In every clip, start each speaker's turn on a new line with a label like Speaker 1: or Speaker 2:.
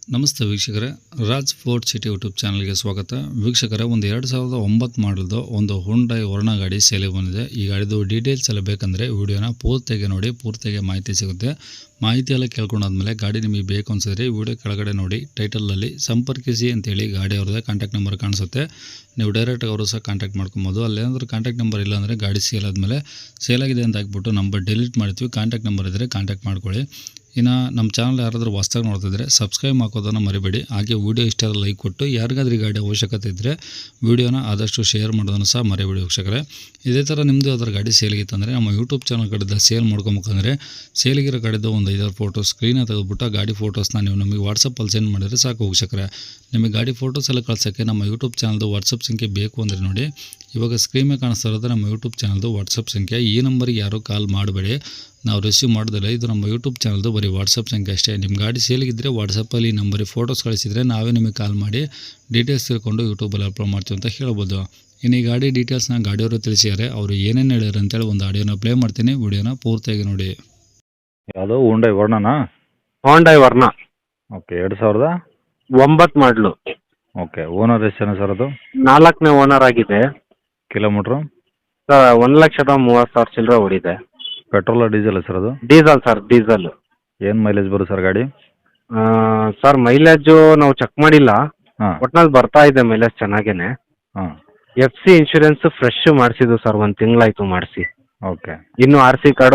Speaker 1: ನಮಸ್ತೆ ವೀಕ್ಷಕರೇ, Raj fort city YouTube ಚಾನಲ್ಗೆ ಸ್ವಾಗತ. ವೀಕ್ಷಕರೇ, ಒಂದು 2009 ಮಾಡಲ್ದು ಒಂದು ಹುಂಡೈ ವರ್ನಾ ಗಾಡಿ ಸೇಲಿಗೆ ಬಂದಿದೆ. ಈ ಗಾಡಿದು ಡೀಟೇಲ್ಸ್ ಎಲ್ಲ ಬೇಕಂದರೆ ವಿಡಿಯೋನ ಪೂರ್ತಿಯಾಗಿ ನೋಡಿ, ಪೂರ್ತಿಯಾಗಿ ಮಾಹಿತಿ ಸಿಗುತ್ತೆ. ಮಾಹಿತಿ ಎಲ್ಲ ಕೇಳ್ಕೊಂಡಾದ್ಮೇಲೆ ಗಾಡಿ ನಿಮಗೆ ಬೇಕು ಅನಿಸಿದ್ರೆ ವಿಡಿಯೋ ಕೆಳಗಡೆ ನೋಡಿ ಟೈಟಲಲ್ಲಿ ಸಂಪರ್ಕಿಸಿ ಅಂತೇಳಿ ಗಾಡಿ ಅವ್ರದ್ದೇ ಕಾಂಟ್ಯಾಕ್ಟ್ ನಂಬರ್ ಕಾಣಿಸುತ್ತೆ. ನೀವು ಡೈರೆಕ್ಟಾಗಿ ಅವರು ಸಹ ಕಾಂಟ್ಯಾಕ್ಟ್ ಮಾಡ್ಕೊಬೋದು. ಅಲ್ಲೇನಾದ್ರೂ ಕಾಂಟ್ಯಾಕ್ಟ್ ನಂಬರ್ ಇಲ್ಲ ಅಂದರೆ ಗಾಡಿ ಸೇಲ್ ಆದಮೇಲೆ ಸೇಲಾಗಿದೆ ಅಂತ ಹಾಕ್ಬಿಟ್ಟು ನಂಬರ್ ಡಿಲೀಟ್ ಮಾಡ್ತೀವಿ. ಕಾಂಟ್ಯಾಕ್ಟ್ ನಂಬರ್ ಇದ್ದರೆ ಕಾಂಟ್ಯಾಕ್ಟ್ ಮಾಡ್ಕೊಳ್ಳಿ. ಇನ್ನು ನಮ್ಮ ಚಾನಲ್ ಯಾರಾದರೂ ಹೊಸ್ದಾಗಿ ನೋಡ್ತಿದ್ರೆ ಸಬ್ಸ್ಕ್ರೈಬ್ ಹಾಕೋದನ್ನು ಮರಿಬೇಡಿ. ಹಾಗೆ ವಿಡಿಯೋ ಇಷ್ಟ ಲೈಕ್ ಕೊಟ್ಟು ಯಾರಿಗಾದ್ರೂ ಈ ಗಾಡಿ ಅವಶ್ಯಕತೆ ಇದ್ದರೆ ವಿಡಿಯೋನ ಆದಷ್ಟು ಶೇರ್ ಮಾಡೋದನ್ನು ಸಹ ಮರಿಬೇಡಿ ವೀಕ್ಷಕರೇ. ಇದೇ ಥರ ನಿಮ್ಮದು ಯಾವ್ದಾದ್ರು ಗಾಡಿ ಸೇಲಿಗಿತ್ತಂದರೆ ನಮ್ಮ ಯೂಟ್ಯೂಬ್ ಚಾನಲ್ ಕಡೆದ ಸೇಲ್ ಮಾಡ್ಕೊಬೇಕಂದ್ರೆ ಸೇಲಿಗಿರೋ ಗಾಡಿದು ಒಂದು 5 ಫೋಟೋ ಸ್ಕ್ರೀನ ತೆಗೆದುಬಿಟ್ಟು ಗಾಡಿ ಫೋಟೋಸ್ನ ನೀವು ನಮಗೆ ವಾಟ್ಸಪ್ಪಲ್ಲಿ ಸೆಂಡ್ ಮಾಡಿದರೆ ಸಾಕು ವೀಕ್ಷಕರೇ. ನಿಮಗೆ ಗಾಡಿ ಫೋಟೋಸ್ ಎಲ್ಲ ಕಳ್ಸೋಕ್ಕೆ ನಮ್ಮ ಯೂಟ್ಯೂಬ್ ಚಾನಲ್ದು ವಾಟ್ಸಪ್ ಸಂಖ್ಯೆ ಬೇಕು ಅಂದರೆ ನೋಡಿ, ಇವಾಗ ಸ್ಕ್ರೀನ್ ಮೇಲೆ ಕಾಣಿಸ್ತಾ ಇರೋದು ನಮ್ಮ ಯೂಟ್ಯೂಬ್ ಚಾನಲ್ದು ವಾಟ್ಸಪ್ ಸಂಖ್ಯೆ. ಈ ನಂಬರಿಗೆ ಯಾರೂ ಕಾಲ್ ಮಾಡಬೇಡಿ, ನಾವು ರಿಸೀವ್ ಮಾಡೋದಿಲ್ಲ. ಇದು ನಮ್ಮ ಯೂಟ್ಯೂಬ್ ಚಾನಲ್ದು ಬರೀ ವಾಟ್ಸಪ್ ಸಂಖ್ಯೆ ಅಷ್ಟೇ. ನಿಮ್ಮ ಗಾಡಿ ಸೇಲಿಗಿದ್ದರೆ ವಾಟ್ಸಪ್ಪಲ್ಲಿ ಈ ನಂಬರಿಗೆ ಫೋಟೋಸ್ ಕಳಿಸಿದರೆ ನಾವೇ ನಿಮಗೆ ಕಾಲ್ ಮಾಡಿ ಡೀಟೇಲ್ಸ್ ತಿಳ್ಕೊಂಡು ಯೂಟ್ಯೂಬಲ್ಲಿ ಅಪ್ಲೋಡ್ ಮಾಡ್ತೀವಿ ಅಂತ ಹೇಳ್ಬೋದು. ಇನ್ನು ಈ ಗಾಡಿ ಡೀಟೇಲ್ಸ್ನ ಗಾಡಿಯವರು ತಿಳಿಸಿದ್ದಾರೆ. ಅವರು ಏನೇನು ಹೇಳ್ಯಾರ ಅಂತೇಳಿ ಒಂದು ಆಡಿಯೋನ ಪ್ಲೇ ಮಾಡ್ತೀನಿ, ವಿಡಿಯೋನ ಪೂರ್ತಿಯಾಗಿ ನೋಡಿ.
Speaker 2: ಯಾವುದು ಹುಂಡೈ ವರ್ನಾನಾ?
Speaker 3: ಹೋಂಡೈ ವರ್ನಾ
Speaker 2: ಓಕೆ, 2009
Speaker 3: ಮಾಡಲು.
Speaker 2: ಓಕೆ. ಓನರ್ ಎಷ್ಟು ಜನ ಸರ್ ಅದು?
Speaker 3: 4ನೇ ಓನರ್ ಆಗಿದೆ
Speaker 2: ಕಿಲೋಮೀಟ್ರು?
Speaker 3: ಸರ್. 1,30,30,000 ಚಿಲ್ಲರೆ ಓಡಿದೆ.
Speaker 2: ಪೆಟ್ರೋಲ ಡೀಸೆಲ್ ಸರ್ ಅದು?
Speaker 3: Diesel sir, diesel.
Speaker 2: ಏನು ಮೈಲೇಜ್ ಬರುತ್ತೆ ಸರ್ ಗಾಡಿ?
Speaker 3: ಸರ್ ಮೈಲೇಜು ನಾವು ಚೆಕ್ ಮಾಡಿಲ್ಲ,
Speaker 2: ಹಾಂ
Speaker 3: ಒಟ್ನಲ್ಲಿ ಬರ್ತಾ ಇದೆ ಮೈಲೇಜ್ ಚೆನ್ನಾಗೇನೆ.
Speaker 2: ಹಾಂ
Speaker 3: FC ಇನ್ಶೂರೆನ್ಸ್ ಫ್ರೆಶ್ ಮಾಡಿಸಿದ್ದು ಸರ್, 1 ತಿಂಗಳಾಯ್ತು ಮಾಡಿಸಿ.
Speaker 2: ಓಕೆ.
Speaker 3: ಇನ್ನು RC ಕಾರ್ಡು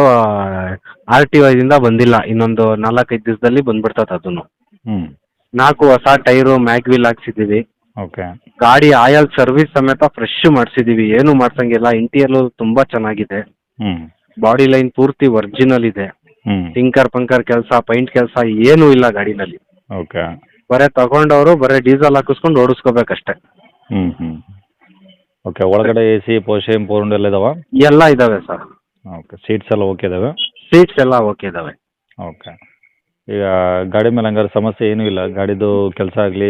Speaker 3: RTO ದಿಂದ ಬಂದಿಲ್ಲ, ಇನ್ನೊಂದು 4-5 ದಿವಸದಲ್ಲಿ ಬಂದ್ಬಿಡ್ತದೆ ಅದನ್ನು.
Speaker 2: ಹ್ಞೂ
Speaker 3: 4 ಹೊಸ ಟೈರು ಮ್ಯಾಗ್ವಿಲ್ ಹಾಕ್ಸಿದ್ದೀವಿ.
Speaker 2: ಓಕೆ.
Speaker 3: ಗಾಡಿ ಆಯಲ್ ಸರ್ವಿಸ್ ಸಮೇತ ಫ್ರೆಶ್ ಮಾಡಿಸಿದ್ದೀವಿ, ಏನು ಮಾಡ್ಸಂಗಿಲ್ಲ. ಇಂಟೀರಿಯರ್ ತುಂಬ ಚೆನ್ನಾಗಿದೆ.
Speaker 2: ಹ್ಞೂ
Speaker 3: ಬಾಡಿ ಲೈನ್ ಪೂರ್ತಿ ಒರಿಜಿನಲ್ ಇದೆ.
Speaker 2: ಹ್ಞೂ
Speaker 3: ಟಿಂಕರ್ ಪಂಕರ್ ಕೆಲಸ, ಪೈಂಟ್ ಕೆಲಸ ಏನೂ ಇಲ್ಲ ಗಾಡಿನಲ್ಲಿ.
Speaker 2: ಓಕೆ.
Speaker 3: ಬರೀ ತಗೊಂಡವರು ಬರೀ ಡೀಸೆಲ್ ಹಾಕಿಸ್ಕೊಂಡು ಓಡಿಸ್ಕೋಬೇಕಷ್ಟೇ.
Speaker 2: ಹ್ಞೂ ಹ್ಞೂ ಓಕೆ. ಒಳಗಡೆ AC ಪೋರ್ಷನ್ ಪೋರ್ಂಡ್ ಎಲ್ಲ ಇದಾವ?
Speaker 3: ಎಲ್ಲ ಇದಾವೆ ಸರ್.
Speaker 2: ಓಕೆ. ಸೀಟ್ಸ್ ಎಲ್ಲ ಓಕೆ ಇದಾವೆ?
Speaker 3: ಸೀಟ್ಸ್ ಎಲ್ಲ ಓಕೆ ಇದಾವೆ.
Speaker 2: ಓಕೆ. ಈಗ ಗಾಡಿ ಮೇಲೆ ಹಂಗಾರೆ ಸಮಸ್ಯೆ ಏನೂ ಇಲ್ಲ? ಗಾಡಿದು ಕೆಲಸ ಆಗಲಿ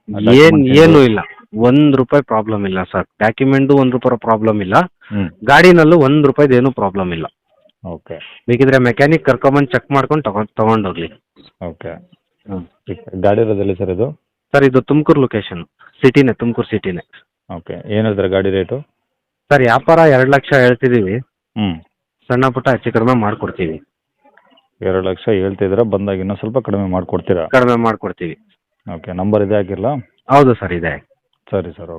Speaker 3: ಏನೂ ಇಲ್ಲ, ₹1 ಪ್ರಾಬ್ಲಮ್ ಇಲ್ಲ ಸರ್. ಡಾಕ್ಯುಮೆಂಟು ₹1 ಪ್ರಾಬ್ಲಮ್ ಇಲ್ಲ.
Speaker 2: ಹ್ಞೂ
Speaker 3: ಗಾಡಿನಲ್ಲೂ ₹1 ಏನೂ ಪ್ರಾಬ್ಲಮ್ ಇಲ್ಲ.
Speaker 2: ಓಕೆ.
Speaker 3: ಬೇಕಿದ್ರೆ ಮೆಕ್ಯಾನಿಕ್ ಕರ್ಕೊಂಬಂದು ಚೆಕ್ ಮಾಡ್ಕೊಂಡು ತಗೊಂಡೋಗ್ಲಿ.
Speaker 2: ಓಕೆ.
Speaker 3: ಹ್ಞೂ
Speaker 2: ಗಾಡಿ ಇರೋದಿಲ್ಲ ಸರ್ ಇದು?
Speaker 3: ಸರ್ ಇದು ತುಮಕೂರು ಲೊಕೇಶನ್, ಸಿಟಿನೇ, ತುಮಕೂರು ಸಿಟಿನೇ.
Speaker 2: ಓಕೆ. ಏನು ಹೇಳ್ತಾರೆ ಗಾಡಿ ರೇಟು?
Speaker 3: ಸರ್ ವ್ಯಾಪಾರ 2 ಲಕ್ಷ ಹೇಳ್ತಿದ್ದೀವಿ,
Speaker 2: ಹ್ಞೂ
Speaker 3: ಸಣ್ಣ ಪುಟ್ಟ ಹೆಚ್ಚು ಕಡಿಮೆ ಮಾಡಿಕೊಡ್ತೀವಿ.
Speaker 2: 2 ಲಕ್ಷ ಹೇಳ್ತಿದ್ದೀರಾ, ಬಂದಾಗ ಇನ್ನೂ ಸ್ವಲ್ಪ ಕಡಿಮೆ ಮಾಡಿಕೊಡ್ತೀರಾ?
Speaker 3: ಕಡಿಮೆ ಮಾಡಿಕೊಡ್ತೀವಿ.
Speaker 2: ಓಕೆ. ನಂಬರ್ ಇದೆ ಹಾಕಿರಲಾ?
Speaker 3: ಹೌದು ಸರ್, ಇದೆ.
Speaker 2: ಸರಿ ಸರ್.